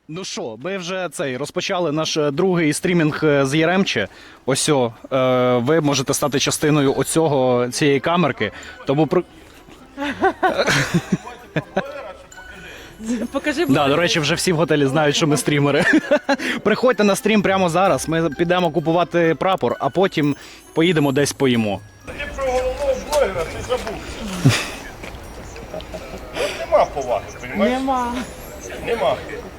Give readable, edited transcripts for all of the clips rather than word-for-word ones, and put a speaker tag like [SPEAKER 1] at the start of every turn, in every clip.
[SPEAKER 1] Ну що, ми вже розпочали наш другий стрімінг з Яремче. Ось ви можете стати частиною цієї камерки. Тому
[SPEAKER 2] Покажи.
[SPEAKER 1] Да, до речі, вже всі в готелі знають, що ми стрімери. Приходьте на стрім прямо зараз. Ми підемо купувати прапор, а потім поїдемо десь поїмо.
[SPEAKER 3] Ти про головного блогера ти забув. Нема поваги, розумієш? Нема.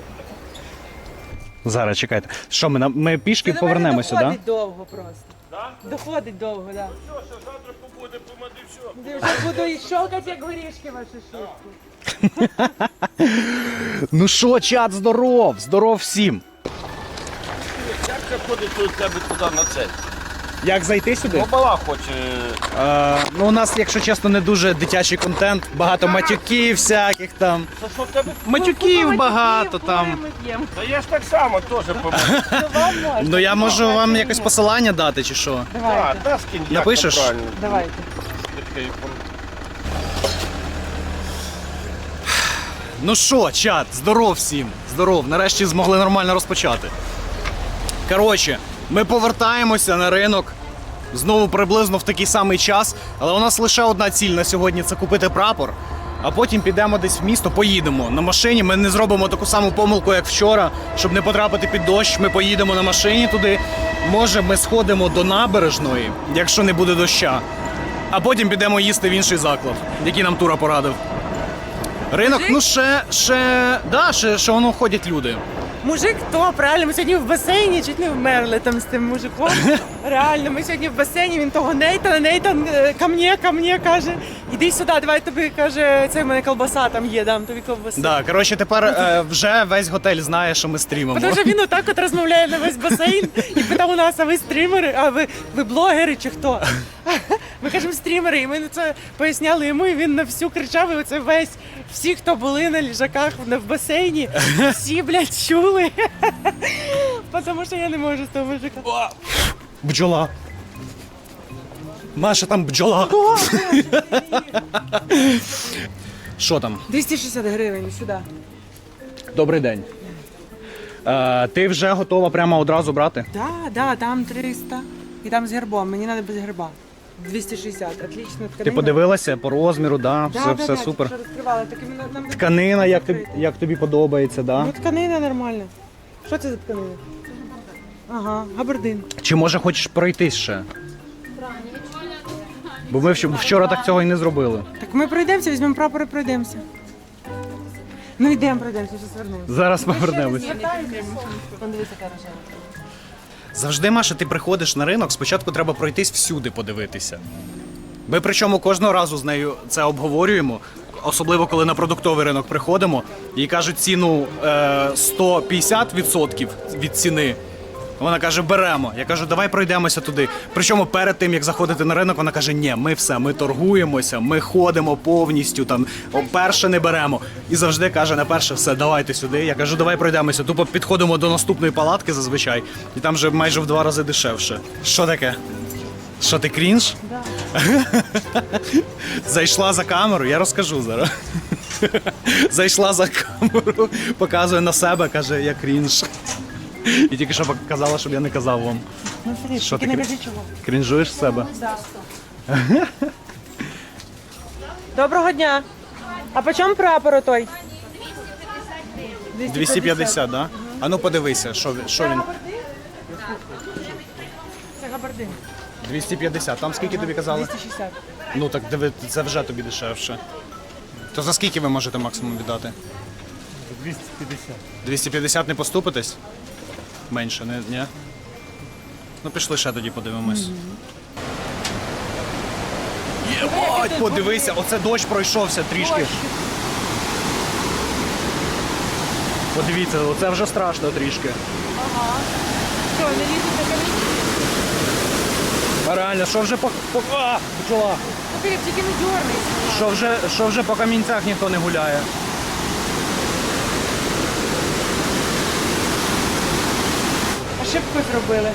[SPEAKER 1] Зараз чекайте. Що ми пішки повернемося, так?
[SPEAKER 2] Доходить довго просто. Доходить довго, так.
[SPEAKER 3] Все, що завтра побуде, помади, все.
[SPEAKER 2] Я вже буду і щелкати, як горішки ваші шутки.
[SPEAKER 1] Ну що, чат, здоров! Здоров всім!
[SPEAKER 3] Як це ходить у тебе туди на це?
[SPEAKER 1] Як зайти сюди?
[SPEAKER 3] Бабала хоче.
[SPEAKER 1] Ну, у нас, якщо чесно, не дуже дитячий контент, багато матюків всяких там.
[SPEAKER 3] Та що в тебе?
[SPEAKER 1] Матюків багато там.
[SPEAKER 2] Ми п'ємо.
[SPEAKER 3] Та я ж так само теж помогу.
[SPEAKER 2] То вам можна.
[SPEAKER 1] Ну я можу вам якось посилання дати чи що?
[SPEAKER 2] Давайте.
[SPEAKER 3] Та скинь, як
[SPEAKER 1] Напишеш?
[SPEAKER 3] там правильно.
[SPEAKER 2] Давайте.
[SPEAKER 1] Ну що, чат, здоров всім. Здоров, нарешті змогли нормально розпочати. Коротше, ми повертаємося на ринок. Знову приблизно в такий самий час. Але у нас лише одна ціль на сьогодні – це купити прапор. А потім підемо десь в місто, поїдемо на машині. Ми не зробимо таку саму помилку, як вчора, щоб не потрапити під дощ. Ми поїдемо на машині туди. Може, ми сходимо до набережної, якщо не буде доща. А потім підемо їсти в інший заклад, який нам Тура порадив. Ринок, ну ще воно ходять люди.
[SPEAKER 2] Мужик топ, реально, ми сьогодні в басейні чуть не вмерли там з тим мужиком. Реально, ми сьогодні в басейні, він того Нейтан, ко мне, каже, іди сюди, давай тобі, каже, це в мене колбаса там є, дам тобі колбасу.
[SPEAKER 1] Да, коротше, тепер вже весь готель знає, що ми стрімимо.
[SPEAKER 2] Тому що він отак от розмовляє на весь басейн і питав у нас, а ви стрімери, а ви блогери чи хто? Ми кажемо стрімери, і ми це поясняли йому, і він на всю кричав, і оце всі, хто були на ліжаках в басейні, всі, блядь, чули. Тому що я не можу з того мужика.
[SPEAKER 1] Бджола. Маша, там бджола. Що там?
[SPEAKER 2] 260 гривень сюди.
[SPEAKER 1] Добрий день. Ти вже готова прямо одразу брати?
[SPEAKER 2] Да, там 300. І там з гербом, мені треба без герба. 260, отлично. Тканина.
[SPEAKER 1] Ти подивилася по розміру, да? Все супер.
[SPEAKER 2] Да, розкривала. Так і нам
[SPEAKER 1] Тканина, як тобі подобається, да?
[SPEAKER 2] Ну, тканина нормальна. Що це за тканина? Ага, габардин.
[SPEAKER 1] Чи може хочеш пройтись ще? Бо ми вчора так цього і не зробили.
[SPEAKER 2] Так ми пройдемося, візьмемо прапор і пройдемося. Ну йдемо, пройдемося, зараз вернемося.
[SPEAKER 1] Зараз повернемось.
[SPEAKER 2] Подивися, яка рожева.
[SPEAKER 1] Завжди, Маша, ти приходиш на ринок, спочатку треба пройтись всюди, подивитися. Ми причому кожного разу з нею це обговорюємо, особливо коли на продуктовий ринок приходимо і кажуть ціну 150% від ціни. Вона каже, беремо. Я кажу, давай пройдемося туди. Причому перед тим, як заходити на ринок, вона каже, ні, ми торгуємося, ми ходимо повністю, там, перше не беремо. І завжди каже, на перше, все, давайте сюди. Я кажу, давай пройдемося. Тупо підходимо до наступної палатки зазвичай, і там вже майже в 2 рази дешевше. Що таке? Що, ти крінж?
[SPEAKER 2] Да.
[SPEAKER 1] Зайшла за камеру, я розкажу зараз. Зайшла за камеру, показує на себе, каже, я крінж. І тільки що казала, щоб я не казав вам.
[SPEAKER 2] Ну, смотри,
[SPEAKER 1] Що
[SPEAKER 2] тільки
[SPEAKER 1] ти
[SPEAKER 2] не кажи чого.
[SPEAKER 1] Крінжуєш з себе?
[SPEAKER 2] Доброго дня. А по чому прапор той?
[SPEAKER 1] 250, да? А ну подивися, що він.
[SPEAKER 2] Це габардин.
[SPEAKER 1] 250. Там скільки тобі казали?
[SPEAKER 2] 260.
[SPEAKER 1] Ну так диви, це вже тобі дешевше. То за скільки ви можете максимум віддати?
[SPEAKER 3] 250.
[SPEAKER 1] 250 не поступитесь? Менше, не? Ні? Ну пішли ще тоді подивимось. Єбать, подивися, оце дощ пройшовся трішки. Подивіться, оце вже страшно трішки.
[SPEAKER 2] Що, не лізуть на камінь?
[SPEAKER 1] А реально, що вже А, бджола!
[SPEAKER 2] Ну, Філіп, тільки не дьорнись.
[SPEAKER 1] Що вже по камінцях ніхто не гуляє.
[SPEAKER 2] Ошибку зробили.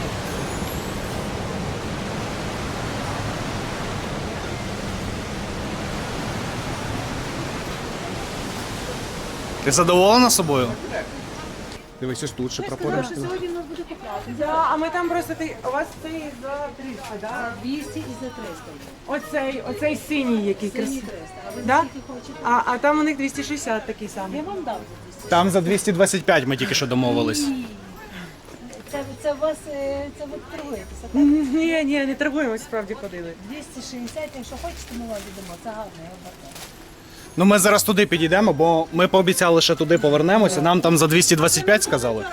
[SPEAKER 1] Ти задоволена собою? Дивись, ось тут ще прапори.
[SPEAKER 4] Сьогодні у нас буде купляти.
[SPEAKER 2] Да, а ми там просто у вас цей за 300, да?
[SPEAKER 4] 200 і за 300.
[SPEAKER 2] Оцей синій який
[SPEAKER 4] Синій
[SPEAKER 2] красивий.
[SPEAKER 4] 300. А ви
[SPEAKER 2] Да?
[SPEAKER 4] скільки хочете?
[SPEAKER 2] А там у них 260 такий самий.
[SPEAKER 4] Я вам дав за 200.
[SPEAKER 1] Там за 225 ми тільки що домовились.
[SPEAKER 4] Це у вас, це ви торгуєтеся, так?
[SPEAKER 2] Ні, не торгуємо, справді ходили.
[SPEAKER 4] 260, якщо хочете, ми вам віддамо. Це гарно, я вважаю.
[SPEAKER 1] Ну ми зараз туди підійдемо, бо ми пообіцяли, що туди повернемося. Нам там за 225 сказали.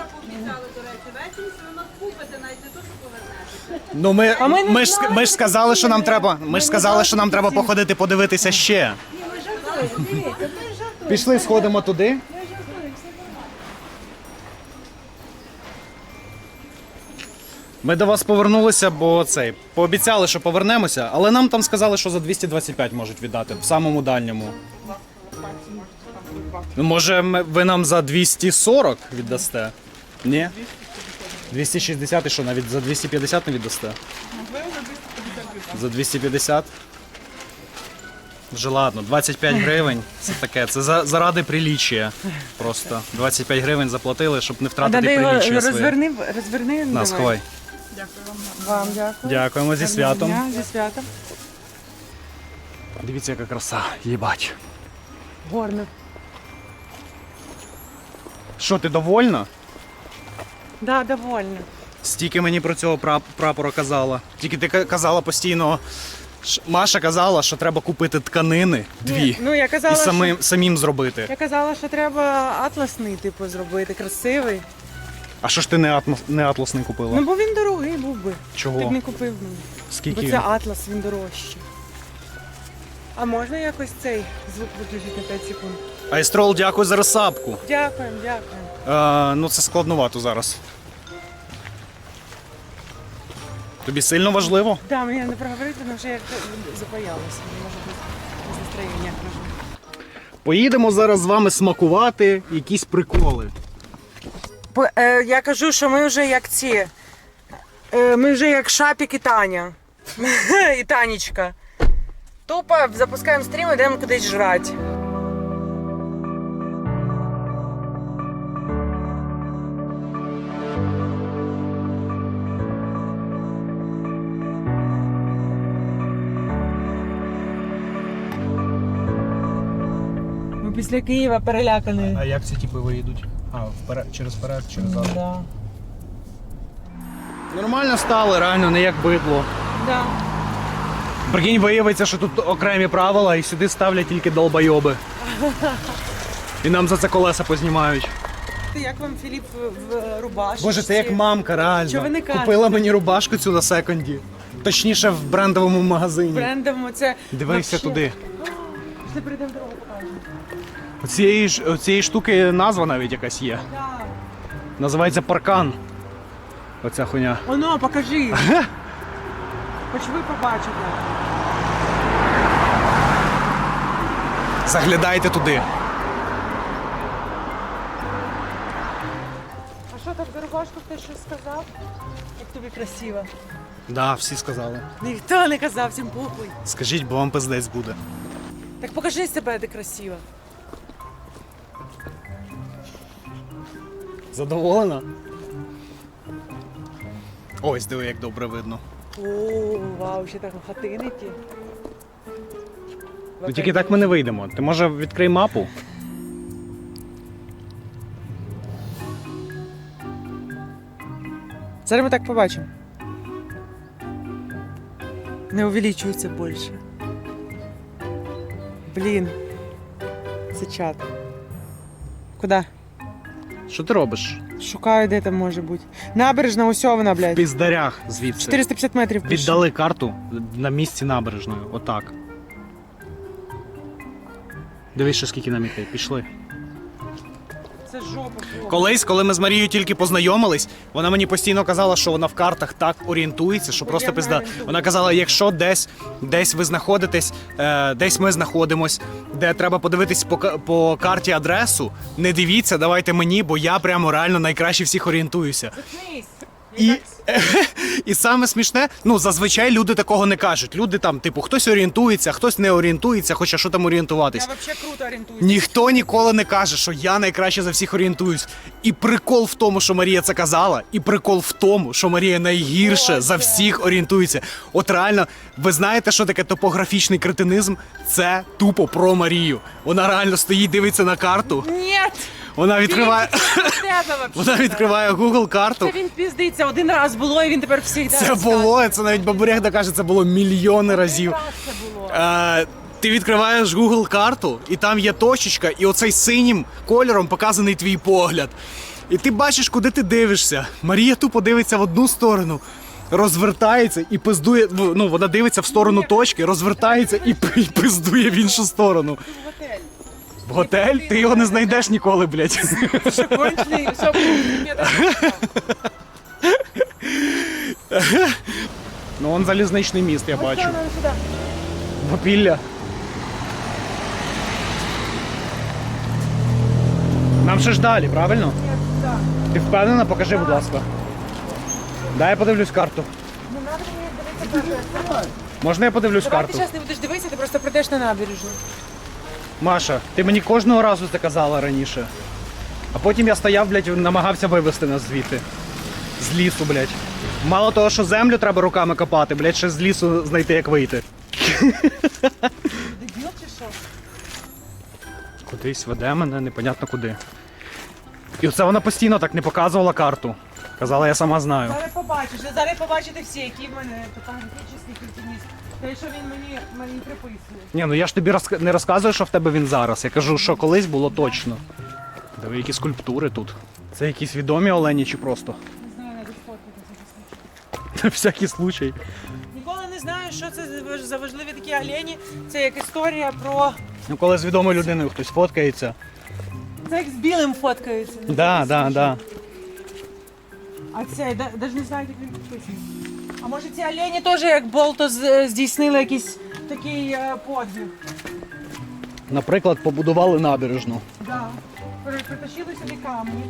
[SPEAKER 1] Ну ми ж сказали, що нам треба. Ми ж сказали, що нам треба походити подивитися ще.
[SPEAKER 4] Дивіться, ми жартуємо.
[SPEAKER 1] Пішли, сходимо туди. Ми до вас повернулися, бо пообіцяли, що повернемося, але нам там сказали, що за 225 можуть віддати, в самому дальньому. Ну, може, ви нам за 240 віддасте? Ні? 260 і що, навіть за 250 не віддасте? За 250? Вже ладно, 25 гривень, це таке, це заради приліччя просто. 25 гривень заплатили, щоб не втратити приліччя своє.
[SPEAKER 2] Розверни.
[SPEAKER 1] На, сховай.
[SPEAKER 2] Вам дякую.
[SPEAKER 1] Дякуємо, зі святом.
[SPEAKER 2] Зі святом.
[SPEAKER 1] Дивіться, яка краса, їбать.
[SPEAKER 2] Горно.
[SPEAKER 1] Що, ти довольна?
[SPEAKER 2] Да, довольно.
[SPEAKER 1] Стільки мені про цього прапора казала. Тільки ти казала постійно, Маша казала, що треба купити тканини, дві,
[SPEAKER 2] Ну, я казала,
[SPEAKER 1] і самим зробити.
[SPEAKER 2] Я казала, що треба атласний, типу, зробити, красивий.
[SPEAKER 1] А що ж ти не атласний купила?
[SPEAKER 2] Ну, бо він дорогий був би. Ти б
[SPEAKER 1] Чого?
[SPEAKER 2] не купив мені.
[SPEAKER 1] Скільки?
[SPEAKER 2] Бо
[SPEAKER 1] він?
[SPEAKER 2] це атлас, він дорожчий. А можна якось цей звук виключити на 5 секунд?
[SPEAKER 1] Айстрол, дякую за розсапку.
[SPEAKER 2] Дякуємо, дякуємо.
[SPEAKER 1] Ну це складновато зараз. Тобі сильно важливо?
[SPEAKER 2] Да, мені не проговорити, тому що я запаялася. Мені може бути з настроєння.
[SPEAKER 1] Поїдемо зараз з вами смакувати якісь приколи.
[SPEAKER 2] Я кажу, що ми вже як ці. Ми вже як Шапік і Таня. І Танечка. Тупо запускаємо стрім і йдемо кудись жрати. Ми після Києва перелякані.
[SPEAKER 1] А як ці типи виїдуть? Через вперед, через зад.
[SPEAKER 2] Да.
[SPEAKER 1] Нормально стали, реально, не як бидло.
[SPEAKER 2] Да.
[SPEAKER 1] Прикинь, виявиться, що тут окремі правила і сюди ставлять тільки долбойоби. І нам за це колеса познімають.
[SPEAKER 2] Як вам Філіп в рубашці?
[SPEAKER 1] Боже, це як мамка, реально.
[SPEAKER 2] Що ви не кажете?
[SPEAKER 1] Купила мені рубашку цю на секонді. Точніше, в брендовому магазині.
[SPEAKER 2] Брендом це.
[SPEAKER 1] Дивися
[SPEAKER 2] вообще.
[SPEAKER 1] туди.
[SPEAKER 2] Пішли прийдемо дорогу покажемо.
[SPEAKER 1] Оцієї штуки назва навіть якась є.
[SPEAKER 2] Да.
[SPEAKER 1] Називається паркан. Оця хуйня.
[SPEAKER 2] Оно, покажи. Хоч ви побачите.
[SPEAKER 1] Заглядайте туди.
[SPEAKER 2] А що там за рубашку хтось щось сказав? Як тобі красиво.
[SPEAKER 1] Да, всі сказали.
[SPEAKER 2] Ніхто не казав, всім похуй.
[SPEAKER 1] Скажіть, бо вам пиздець буде.
[SPEAKER 2] Так покажи себе, де красиво.
[SPEAKER 1] Задоволена? Ось, диви, як добре видно.
[SPEAKER 2] О, вау, ще так хатини ті.
[SPEAKER 1] Ну тільки так ми не вийдемо. Ти може відкрий мапу?
[SPEAKER 2] Зараз ми так побачимо. Не увеличується більше. Блін. Це чат. Куди?
[SPEAKER 1] Що ти робиш?
[SPEAKER 2] Шукаю, де там може бути. Набережна, ось вона,
[SPEAKER 1] В
[SPEAKER 2] блядь.
[SPEAKER 1] піздарях звідси.
[SPEAKER 2] 450 метрів пише.
[SPEAKER 1] Віддали карту на місці набережної. Отак. Дивись, що скільки нам іти. Пішли.
[SPEAKER 2] Це жопа.
[SPEAKER 1] Колись, коли ми з Марією тільки познайомились, вона мені постійно казала, що вона в картах так орієнтується, що просто
[SPEAKER 2] Я
[SPEAKER 1] пизда.
[SPEAKER 2] орієнтуюсь.
[SPEAKER 1] Вона казала, якщо десь ви знаходитесь, десь ми знаходимось, де треба подивитись по карті адресу, не дивіться, давайте мені, бо я прямо реально найкраще всіх орієнтуюся.
[SPEAKER 2] Заткнись.
[SPEAKER 1] І саме смішне, ну зазвичай люди такого не кажуть. Люди там, типу, хтось орієнтується, хтось не орієнтується, хоча що там орієнтуватись.
[SPEAKER 2] Я взагалі круто орієнтуюся.
[SPEAKER 1] Ніхто ніколи не каже, що я найкраще за всіх орієнтуюсь. І прикол в тому, що Марія це казала, і прикол в тому, що Марія найгірше за всіх орієнтується. От реально, ви знаєте, що таке топографічний кретинизм? Це тупо про Марію. Вона реально стоїть, дивиться на карту.
[SPEAKER 2] Ні!
[SPEAKER 1] Вона відкриває, вона відкриває Google карту.
[SPEAKER 2] Це він піздиться, один раз було, і він тепер всіх
[SPEAKER 1] Це було, це навіть Бабурєх каже, це було мільйони разів.
[SPEAKER 2] Це було.
[SPEAKER 1] Ти відкриваєш Google карту, і там є точечка, і оцей синім кольором показаний твій погляд. І ти бачиш, куди ти дивишся. Марія тупо дивиться в одну сторону, розвертається і пиздує. Ну, вона дивиться в сторону точки, розвертається і пиздує в іншу сторону.
[SPEAKER 2] Готель.
[SPEAKER 1] В готель? Ти його не знайдеш ніколи, блядь.
[SPEAKER 2] Що кончений, що
[SPEAKER 1] Ну, он залізничний міст, я бачу.
[SPEAKER 2] сюди.
[SPEAKER 1] Попілля. Нам ще ж далі, правильно? Ти впевнена? Покажи, будь ласка. Дай я подивлюсь карту. Можна я подивлюсь
[SPEAKER 2] Давай ти
[SPEAKER 1] карту?
[SPEAKER 2] зараз не будеш дивитися, ти просто прийдеш на набережну.
[SPEAKER 1] Маша, ти мені кожного разу це казала раніше. А потім я стояв, блядь, намагався вивезти нас звідти. З лісу, блядь. Мало того, що землю треба руками копати, блядь, ще з лісу знайти, як вийти.
[SPEAKER 2] Дебіл чи що?
[SPEAKER 1] Кудись веде мене, непонятно куди. І оце вона постійно так не показувала карту. Казала, я сама знаю.
[SPEAKER 2] Зараз побачите всі, які в мене топографічний культурніст. Те, що він мені приписує.
[SPEAKER 1] Ні, ну я ж тобі не розказую, що в тебе він зараз. Я кажу, що колись було точно. Диви, які скульптури тут. Це якісь відомі олені чи просто?
[SPEAKER 2] Не знаю, навіть фоткати.
[SPEAKER 1] На всякий случай.
[SPEAKER 2] Ніколи не знаю, що це за важливі такі олені. Це як історія про...
[SPEAKER 1] Ну, коли з відомою людиною хтось фоткається.
[SPEAKER 2] Це як з білим фоткаються.
[SPEAKER 1] Да.
[SPEAKER 2] А це, навіть не знаю, як він підписаний. А може ці олені теж як Болто здійснили якийсь такий подвиг?
[SPEAKER 1] Наприклад, побудували набережну.
[SPEAKER 2] Да. Притащили сюди камні.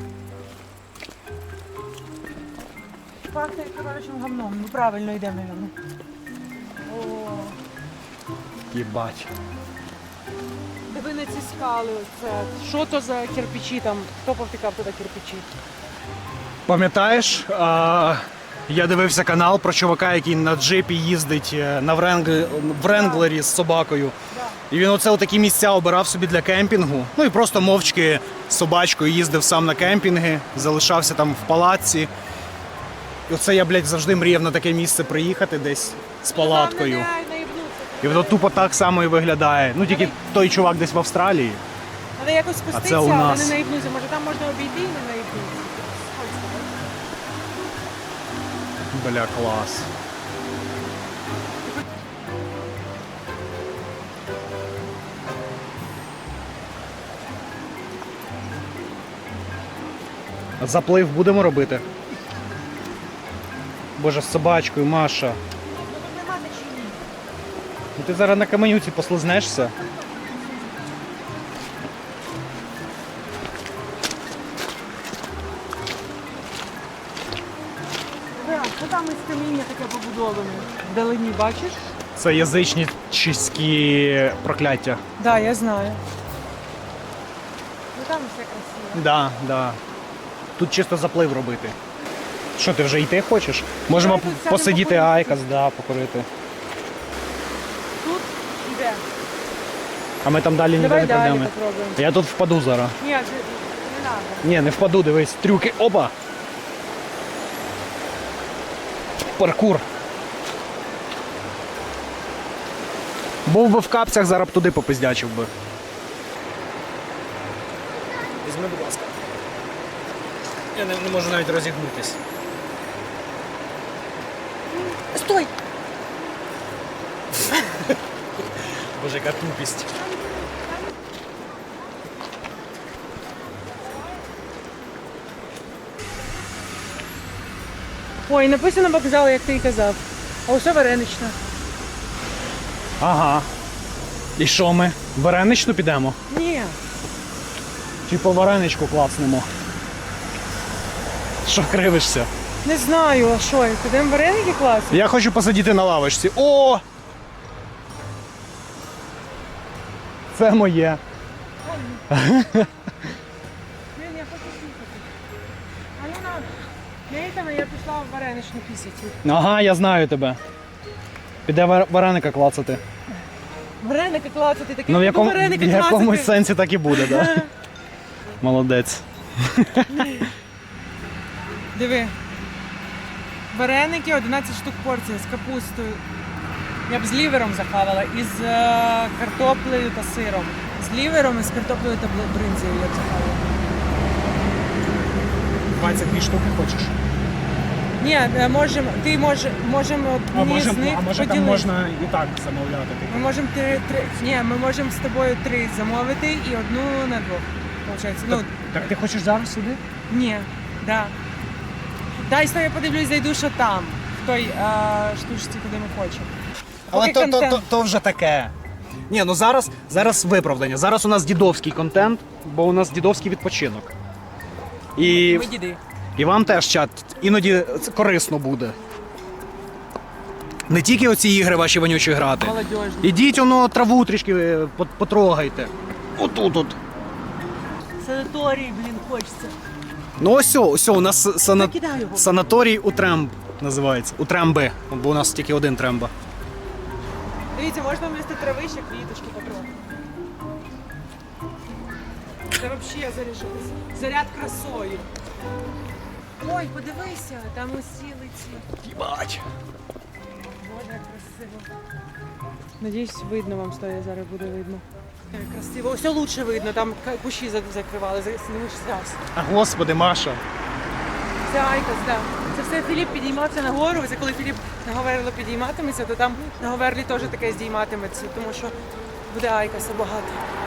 [SPEAKER 2] Пахне коротшим говном. Ну правильно йдемо, мабуть. О,
[SPEAKER 1] Єбать.
[SPEAKER 2] диви на ці скали. Оце. Що то за кирпичі там? Хто повтикав туди кирпичі?
[SPEAKER 1] Пам'ятаєш, я дивився канал про чувака, який на джипі їздить на Вренглері з собакою. І він оце такі місця обирав собі для кемпінгу. Ну і просто мовчки з собачкою їздив сам на кемпінги, залишався там в палатці. І оце я, блядь, завжди мріяв на таке місце приїхати десь з палаткою. І воно тупо так само і виглядає. Ну тільки той чувак десь в Австралії.
[SPEAKER 2] Треба якось спуститися,
[SPEAKER 1] це у
[SPEAKER 2] але
[SPEAKER 1] нас.
[SPEAKER 2] не наїбнутися. Може там можна обійти і не наїбнутися.
[SPEAKER 1] Бля, клас. А заплив будемо робити? Боже, з собачкою, Маша. Ну ти зараз на каменюці послизнешся.
[SPEAKER 2] Що там із каміння таке побудоване? Вдалині, бачиш?
[SPEAKER 1] Це язичницькі прокляття.
[SPEAKER 2] Так, да, я знаю. Ну там все красиво.
[SPEAKER 1] Да. Тут чисто заплив робити. Що, ти вже йти хочеш? Можемо
[SPEAKER 2] Давай тут сядемо
[SPEAKER 1] посидіти
[SPEAKER 2] покурити.
[SPEAKER 1] айкос, да, покурити.
[SPEAKER 2] Тут іде.
[SPEAKER 1] А ми там далі ніде
[SPEAKER 2] Давай
[SPEAKER 1] не
[SPEAKER 2] далі
[SPEAKER 1] пройдемо.
[SPEAKER 2] попробуємо.
[SPEAKER 1] Я тут впаду зараз.
[SPEAKER 2] Ні, не треба.
[SPEAKER 1] Ні, не впаду, дивись. Трюки. Опа! Паркур. Був би в капцях, зараз б туди попиздячив би. Візьми, будь ласка. Я не можу навіть розігнутись.
[SPEAKER 2] Стой!
[SPEAKER 1] Боже, яка тупість.
[SPEAKER 2] Ой, написано вокзал, як ти і казав. А усе варенична.
[SPEAKER 1] Ага. І що ми? В вареничну підемо?
[SPEAKER 2] Ні.
[SPEAKER 1] Чи по вареничку клацнемо? Що кривишся?
[SPEAKER 2] Не знаю, а що, підемо вареники класти?
[SPEAKER 1] Я хочу посидіти на лавочці. О! Це моє.
[SPEAKER 2] Блін, я хочу слухати. А ну надо. Я пішла в вареничну пісяці.
[SPEAKER 1] Ага, я знаю тебе. Піде вареника клацати.
[SPEAKER 2] Вареники клацати, такі
[SPEAKER 1] Ну, в
[SPEAKER 2] вареники
[SPEAKER 1] якомусь
[SPEAKER 2] клацати.
[SPEAKER 1] сенсі так і буде, так? Да? Молодець.
[SPEAKER 2] Диви. Вареники 11 штук порція з капустою. Я б з лівером захавала, і з картоплею та сиром. З лівером і з картоплею та бринзою я б захавала.
[SPEAKER 1] 22 штуки хочеш?
[SPEAKER 2] Ні, можемо одні з них поділити.
[SPEAKER 1] і так замовляти.
[SPEAKER 2] Ми можемо ми можемо з тобою 3 замовити і одну на двох. Получається. Ну,
[SPEAKER 1] Так ти хочеш зараз сюди?
[SPEAKER 2] ні, да. Дай я подивлюсь, зайду, що там, в той штучці, куди ми хочемо.
[SPEAKER 1] Але
[SPEAKER 2] Поки контент.
[SPEAKER 1] то вже таке. Ні, ну зараз виправдання. Зараз у нас дідовський контент, бо у нас дідовський відпочинок. І,
[SPEAKER 2] Ми діди.
[SPEAKER 1] і вам теж, чат, іноді це корисно буде. Не тільки оці ігри ваші вонючі грати.
[SPEAKER 2] Молодіжні.
[SPEAKER 1] Ідіть, воно траву трішки потрогайте. Отут от.
[SPEAKER 2] Санаторій, блін, хочеться.
[SPEAKER 1] Ну ось у нас
[SPEAKER 2] Закидай його.
[SPEAKER 1] санаторій Утремб називається. Утремби, бо у нас тільки один тремба.
[SPEAKER 2] Дивіться, можна вмісти трави ще квіточки потрохи. Це взагалі заряд красою. Ой, подивися, там усіли ці.
[SPEAKER 1] Їбать.
[SPEAKER 2] Боже, як красиво. Надіюсь, видно вам стоїть, зараз буде видно. Так, красиво. Ось лучше видно, там кущі закривали, зараз.
[SPEAKER 1] А господи, Маша.
[SPEAKER 2] Це Айкос, так. Це все Філіп підіймався на гору. Це коли Філіп на Говерло підійматиметься, то там на Говерлі теж таке здійматиметься, тому що буде Айкоса багато.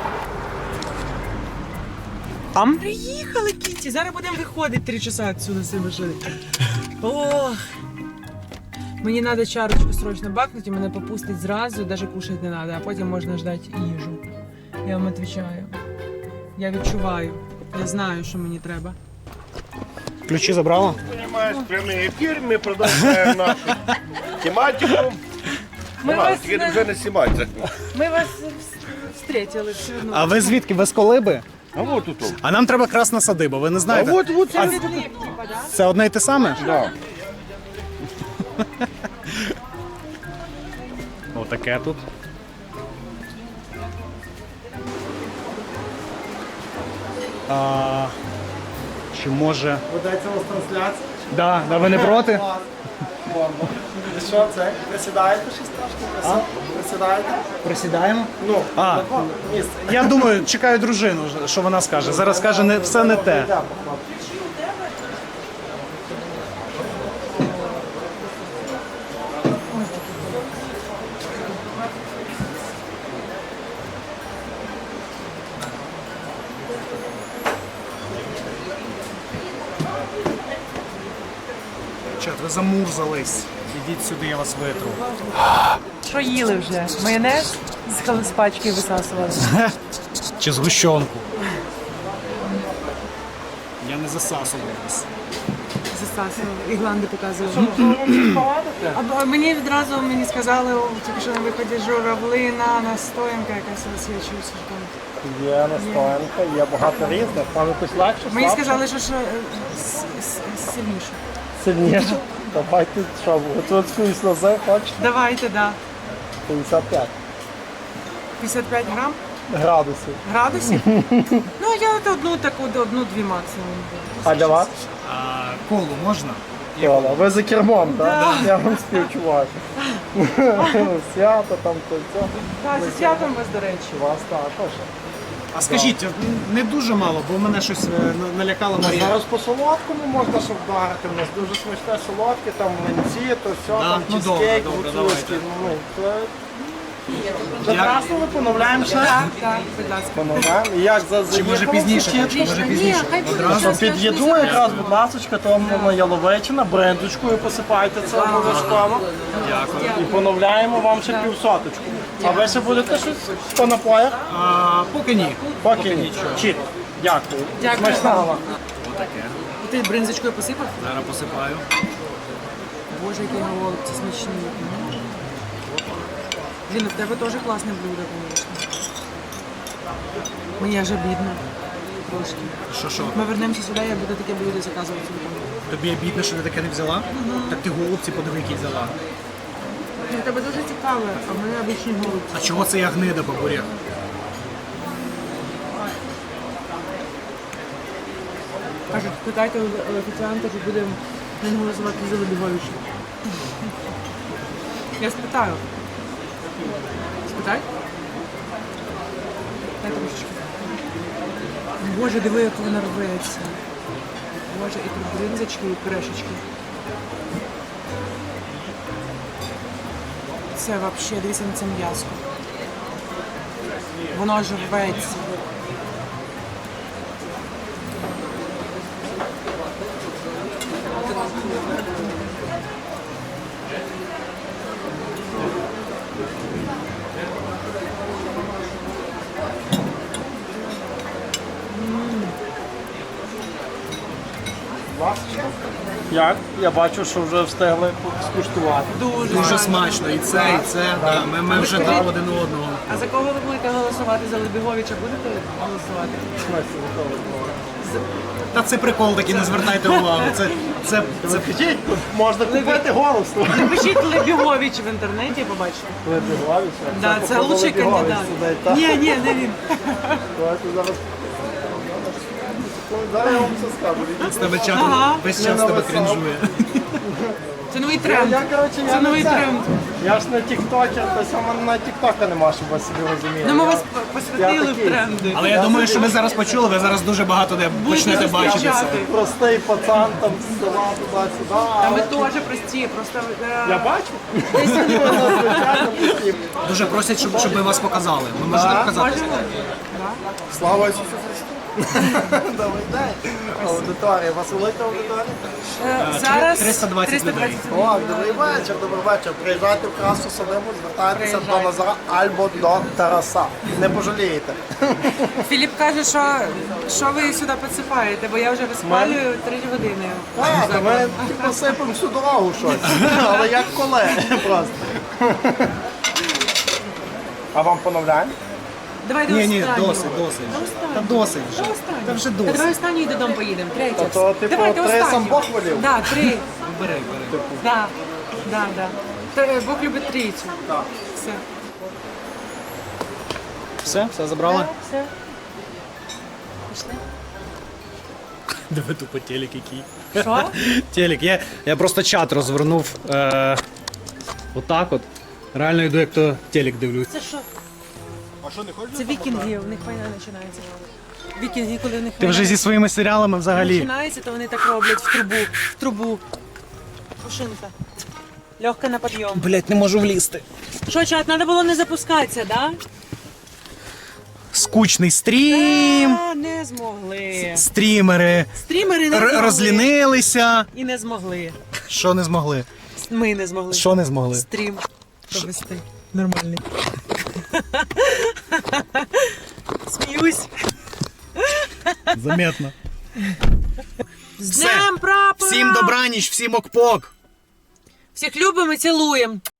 [SPEAKER 2] Там? Приїхали, Кіті. Зараз будемо виходити 3 часа відсюди з цієї машини. Ох. Мені треба чарочку срочно бакнути, мене попустить зразу, навіть кушати не треба, а потім можна ждати їжу. Я вам відповідаю. Я відчуваю. Я знаю, що мені треба.
[SPEAKER 1] Ключі забрала?
[SPEAKER 3] Понимаешь, прямий ефір, ми продовжуємо нашу тематику. Тільки вже не знімати.
[SPEAKER 2] Ми вас встретили все одно.
[SPEAKER 1] А ви звідки? Ви з Колиби?
[SPEAKER 3] А вот тут.
[SPEAKER 1] А нам треба красна садиба, ви не
[SPEAKER 3] А
[SPEAKER 1] знаєте?
[SPEAKER 3] вот,
[SPEAKER 2] Це від Ліп, типа, да?
[SPEAKER 1] Це одне й те саме?
[SPEAKER 3] Да.
[SPEAKER 1] Отаке тут. Чи може...
[SPEAKER 5] Ведеться у вас трансляція?
[SPEAKER 1] Да, ви не проти?
[SPEAKER 5] Бомба. І що це? Присідаєте щось трошки? Присідаєте?
[SPEAKER 1] Присідаємо?
[SPEAKER 5] Ну,
[SPEAKER 1] А.
[SPEAKER 5] на два місце.
[SPEAKER 1] Я думаю, чекаю дружину, що вона скаже. Зараз скаже, не, все не те.
[SPEAKER 5] Йдемо, хлопці.
[SPEAKER 1] Чат, ви замурзались. Ідіть сюди, я вас витру.
[SPEAKER 2] Що їли вже? Майонез з пачки висасували.
[SPEAKER 1] Чи згущенку. Я не засасував вас.
[SPEAKER 2] Засасували. Ігланди показували. А мені відразу сказали, тільки що на виході журавлина, настоянка якась розсвічується.
[SPEAKER 5] Є настоянка, є багато різних. Вам якось легше,
[SPEAKER 2] Мені
[SPEAKER 5] слабше?
[SPEAKER 2] сказали, що сильніше.
[SPEAKER 5] Сильніше. Давайте, що, готують сльози, хочете?
[SPEAKER 2] Давайте, да.
[SPEAKER 5] 55
[SPEAKER 2] 55
[SPEAKER 5] градусів.
[SPEAKER 2] градусів? Ну, я от одну-дві максимум.
[SPEAKER 5] А для вас?
[SPEAKER 1] А колу можна?
[SPEAKER 5] Ола, ви за кермом, так? Я вам співчуваю. Свято там, то це.
[SPEAKER 2] Так, зі святом вас, до речі.
[SPEAKER 5] У вас також.
[SPEAKER 1] А скажіть, не дуже мало, бо мене щось налякало Марія.
[SPEAKER 5] Зараз по солодкому можна щоб вдарити. У нас дуже смачне солодке, там млинці, то все,
[SPEAKER 1] Да?
[SPEAKER 5] там
[SPEAKER 1] Ну,
[SPEAKER 5] чизкейк,
[SPEAKER 1] добре,
[SPEAKER 5] гуцульський.
[SPEAKER 1] давайте.
[SPEAKER 5] Ну, це... Закрасили, поновляємо ще.
[SPEAKER 2] Так, будь ласка.
[SPEAKER 5] Поновляємо. І як за
[SPEAKER 1] Чи може пізніше? Чи може пізніше?
[SPEAKER 5] Одразу під їду якраз, будь ласочка, там на яловичина, брендочкою посипайте це обов'язково.
[SPEAKER 1] Дякую.
[SPEAKER 5] І поновляємо вам ще півсоточку. А ви ще будете щось по напоях?
[SPEAKER 1] Поки ні.
[SPEAKER 5] Поки ні. Чіт. Дякую.
[SPEAKER 2] Дякую.
[SPEAKER 5] Смачного вам.
[SPEAKER 1] Отаке.
[SPEAKER 2] ти бринзочкою посипав?
[SPEAKER 1] Зараз посипаю.
[SPEAKER 2] Боже, який голубці смачні. Блін, в тебе теж класне блюдо, звісно. Мені аж обідно. Трошки.
[SPEAKER 1] Що?
[SPEAKER 2] Ми вернемося сюди, я буду таке блюдо заказувати собі.
[SPEAKER 1] Тобі обідно, що ти таке не взяла? Так ти голубці подиви, які взяла.
[SPEAKER 2] В тебе дуже цікаве, а в мене обичні голубці.
[SPEAKER 1] А чого це я гнида по бурях?
[SPEAKER 2] Кажуть, питайте у офіціанта, чи будемо не голосувати за Лебіговича. Я спитаю. Спитай? Дай трошечки. Боже, диви, як вона рветься. Боже, і тут бринзочки, і пюрешечки. Це взагалі, дивіться на це м'ясо. Воно ж рветься.
[SPEAKER 5] Як? Я бачу, що вже встигли скуштувати.
[SPEAKER 1] Дуже смачно. І це. Да. Ми вже дали один одного.
[SPEAKER 2] А за кого ви будете голосувати? За Лебіговича будете голосувати?
[SPEAKER 1] Та це прикол такий, не звертайте увагу. Це
[SPEAKER 5] Скажіть, тут можна купити голос.
[SPEAKER 2] Напишіть Лебігович в інтернеті, побачите.
[SPEAKER 5] Лебігович?
[SPEAKER 2] Да, це лучший кандидат. Ні, не він.
[SPEAKER 5] Зараз я вам все скажу.
[SPEAKER 1] з тебе чат
[SPEAKER 2] Ага.
[SPEAKER 1] весь час тебе крінжує.
[SPEAKER 2] Це новий тренд.
[SPEAKER 5] Коротше,
[SPEAKER 2] Це новий
[SPEAKER 5] не це.
[SPEAKER 2] тренд.
[SPEAKER 5] Я ж не тіктокер, тобто у мене на тіктока нема, щоб ви собі розуміли.
[SPEAKER 2] Ну ми вас
[SPEAKER 5] Я
[SPEAKER 2] посвятили в
[SPEAKER 5] такий.
[SPEAKER 2] тренди.
[SPEAKER 1] Але я думаю, що ви зараз почули, ви зараз дуже багато де почнете бачити це.
[SPEAKER 2] зустрічати.
[SPEAKER 5] Простий пацан там з села туди-сюди.
[SPEAKER 2] А ми теж прості, просто...
[SPEAKER 5] Я бачу. Звичайно, прості.
[SPEAKER 1] Дуже просять, щоб ви вас показали. Ви можете показати?
[SPEAKER 2] Можемо?
[SPEAKER 5] Слава Ісусу Христу. Добрий день. Аудиторія. У вас велика аудиторія?
[SPEAKER 2] Зараз
[SPEAKER 1] 320 людей.
[SPEAKER 5] О, добрий вечір. Приїжджайте в Красу Солиму, звертайтеся до Назара або до Тараса. Не пожалієте.
[SPEAKER 2] Філіп каже, що ви сюди підсипаєте, бо я вже виспалюю 3 години.
[SPEAKER 5] Так, ми типу сипемо всю дорогу щось. Але як колеги просто. А вам поновляємо?
[SPEAKER 2] Давай до
[SPEAKER 1] Ні,
[SPEAKER 2] останнього.
[SPEAKER 1] досить. Та досить вже. Та вже
[SPEAKER 2] Та
[SPEAKER 1] досить.
[SPEAKER 2] давай останній додому поїдемо, третя.
[SPEAKER 5] То, типу,
[SPEAKER 2] Давайте
[SPEAKER 5] 3 сам
[SPEAKER 2] останню.
[SPEAKER 5] Бог волів?
[SPEAKER 2] Да, 3.
[SPEAKER 1] Бери.
[SPEAKER 2] Да. Бог любить трійцю.
[SPEAKER 5] Так.
[SPEAKER 2] Все.
[SPEAKER 1] Все забрали?
[SPEAKER 2] Все. Пішли.
[SPEAKER 1] Диви тупо телек який.
[SPEAKER 2] Що?
[SPEAKER 1] Телек. Я просто чат розвернув отак от. Реально йду, як то телек дивлюсь.
[SPEAKER 2] Це що? Це вікінги, у них війна починається. Вікінги, коли у них
[SPEAKER 1] Ти вже зі своїми серіалами взагалі.
[SPEAKER 2] починається, то вони так роблять в трубу. Пушинка. Легка на підйом.
[SPEAKER 1] Блять, не можу влізти.
[SPEAKER 2] Що, чат, треба було не запускатися, да?
[SPEAKER 1] Скучний стрім.
[SPEAKER 2] Не змогли.
[SPEAKER 1] Стрімери
[SPEAKER 2] Стрімери не змогли.
[SPEAKER 1] розлінилися.
[SPEAKER 2] І не змогли.
[SPEAKER 1] Що не змогли?
[SPEAKER 2] Ми не змогли.
[SPEAKER 1] Що не змогли?
[SPEAKER 2] Стрім провести. Нормальний. Сміюсь.
[SPEAKER 1] Заметно.
[SPEAKER 2] З Днем прапора!
[SPEAKER 1] Всім добраніч, всім окпок.
[SPEAKER 2] Всіх любимо і цілуємо.